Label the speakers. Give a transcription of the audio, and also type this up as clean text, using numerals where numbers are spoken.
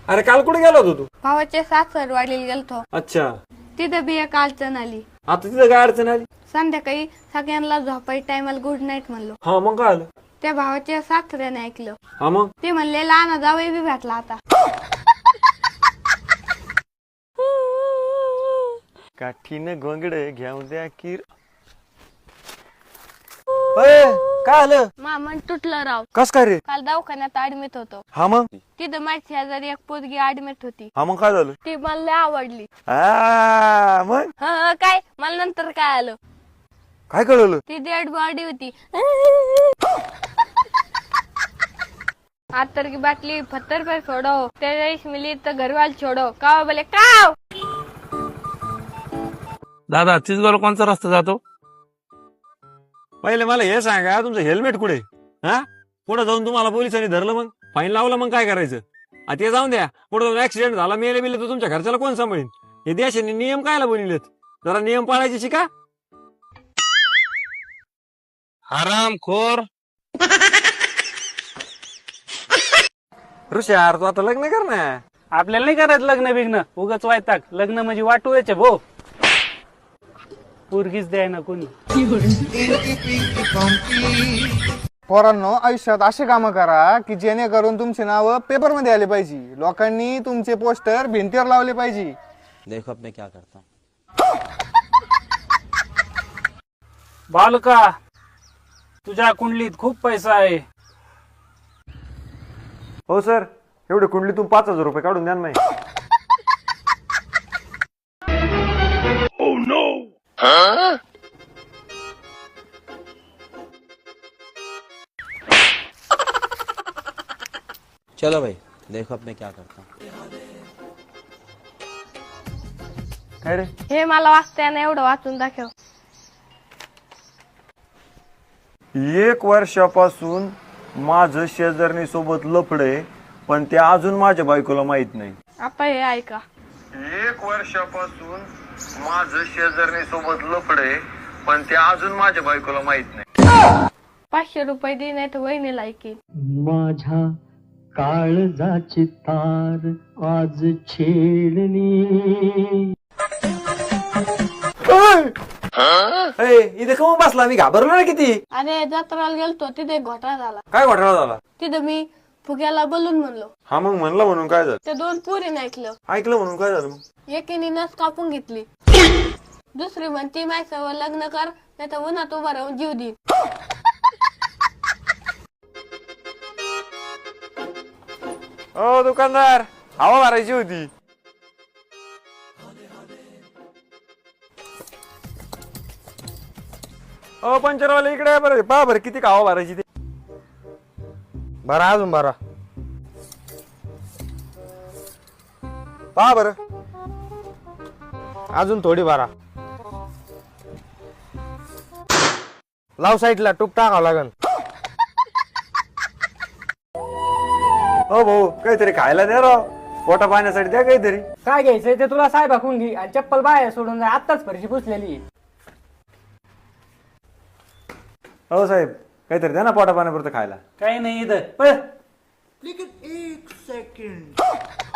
Speaker 1: अरे काल कुठे गेला होता तू?
Speaker 2: भावाच्या सासरवाडीला गेलतो.
Speaker 1: अच्छा,
Speaker 2: तिथं बी एक अडचण आली.
Speaker 1: आता तिथं काय अडचण आली?
Speaker 2: संध्याकाळी सगळ्यांना झोपाय टायमाला गुड नाईट म्हणलो.
Speaker 1: हा मग काय आलं?
Speaker 2: त्या भावाच्या सासऱ्याने ऐकलं.
Speaker 1: हा मग
Speaker 2: ते म्हणले लहान जावई बी भेटला आता.
Speaker 1: काठीनं गोंगड घेऊन द्या किर. काय आलं?
Speaker 2: मामन तुटलं राव.
Speaker 1: कस काय रे?
Speaker 2: काल दवाखान्यात ऍडमिट होतो.
Speaker 1: हा मग
Speaker 2: तिथं माझी शेजारी एक पोरगी ऍडमिट होती.
Speaker 1: हा मग काय झालं?
Speaker 2: ती मला लय आवडली.
Speaker 1: मग
Speaker 2: काय मला नंतर काय आलं,
Speaker 1: काय कळलं?
Speaker 2: ती डेड बॉडी होती. आतर की बाटली पत्थर पर छोड़ो, 23 मिली तो घरवाल छोड़ो. काव बोले काव.
Speaker 3: दादा चिचगावला कोणचा रस्ता जातो?
Speaker 1: पहिले मला हे सांगा, तुमचं हेल्मेट कुठे? हा, पुढे जाऊन तुम्हाला पोलिसांनी धरलं, मग फाईन लावलं, मग काय करायचं? ते जाऊन द्या. पुढे जाऊन ऍक्सिडेंट झाला, मेले बिले तर तुमच्या घरच्याला कोण सांभाळीन? हे देशाने नियम कायला बनवलेत? जरा नियम पाळायचे शिका.
Speaker 3: हरामखोर.
Speaker 1: ऋषी यार, तू आता लग्न कर ना.
Speaker 4: आपल्याला नाही करायचं लग्न बिग्न, उगाच वायताक. लग्न म्हणजे वाटूचे भो, पोरगीच द्याय ना कोणी.
Speaker 5: पोरांनो, आयुष्यात असे कामं करा की जेणेकरून तुमचे नाव पेपर मध्ये आले पाहिजे. लोकांनी तुमचे पोस्टर भिंतीवर लावले पाहिजे.
Speaker 6: देखो अब मैं क्या करता हूँ.
Speaker 4: बालका, तुझ्या कुंडलीत खूप पैसा आहे.
Speaker 1: हो सर, एवढे कुंडलीतून 5,000 रुपये काढून द्या ना.
Speaker 6: चलो भाई, देखो अब मैं क्या करता हूँ.
Speaker 1: काय रे?
Speaker 2: हे मला वाचताना एवढं वाचून दाखव.
Speaker 1: 1 वर्षापासून माझं शेजारणी सोबत लफडे, पण ते अजून माझ्या बायकोला माहित नाही.
Speaker 2: आता हे ऐका.
Speaker 1: 1 वर्षापासून माझं शेजारणी सोबत लफडे, पण ते अजून माझ्या बायकोला माहित नाही.
Speaker 2: 500 रुपये दे, नाही तर वहिनीला ऐकेल.
Speaker 7: माझ्या काळजाची तार आज छेडली.
Speaker 1: इथे कमून बसला, मी घाबरलो ना किती.
Speaker 2: अरे जत्राला गेलतो, तिथे घोटाळा झाला.
Speaker 1: काय घोटाळा झाला?
Speaker 2: तिथं मी फुग्याला बोलून म्हणलो.
Speaker 1: हा मग म्हणलं म्हणून काय झालं?
Speaker 2: त्या 2 पोरीने ऐकलं.
Speaker 1: ऐकलं म्हणून काय झालं? मग
Speaker 2: एकीने नस कापून घेतली. दुसरी म्हणती माझ्यासोबत लग्न कर, नाही तर उन्हात उभा राहून जीव दे.
Speaker 1: ओ दुकानदार, हवा भरायची होती. ओ पंचरवाले, इकडे आहे बरं. पहा बरं किती हवा भरायची ते.
Speaker 5: बरा अजून बरा. पहा बरं, अजून थोडी बारा. लाव साईडला, टूप टाकावं लागन.
Speaker 1: हो भाऊ, काहीतरी खायला द्या राव. पोटा पाण्यासाठी द्या काहीतरी.
Speaker 8: काय घ्यायचंय ते तुला साहेब हाकून घे आणि चप्पल बाहेर सोडून जा. आत्ताच फरशी पुसलेली.
Speaker 1: हो साहेब, काहीतरी द्या ना पोटा पाण्यापुरतं खायला.
Speaker 4: काही नाही इथं.
Speaker 9: लेकिन 1 सेकंड.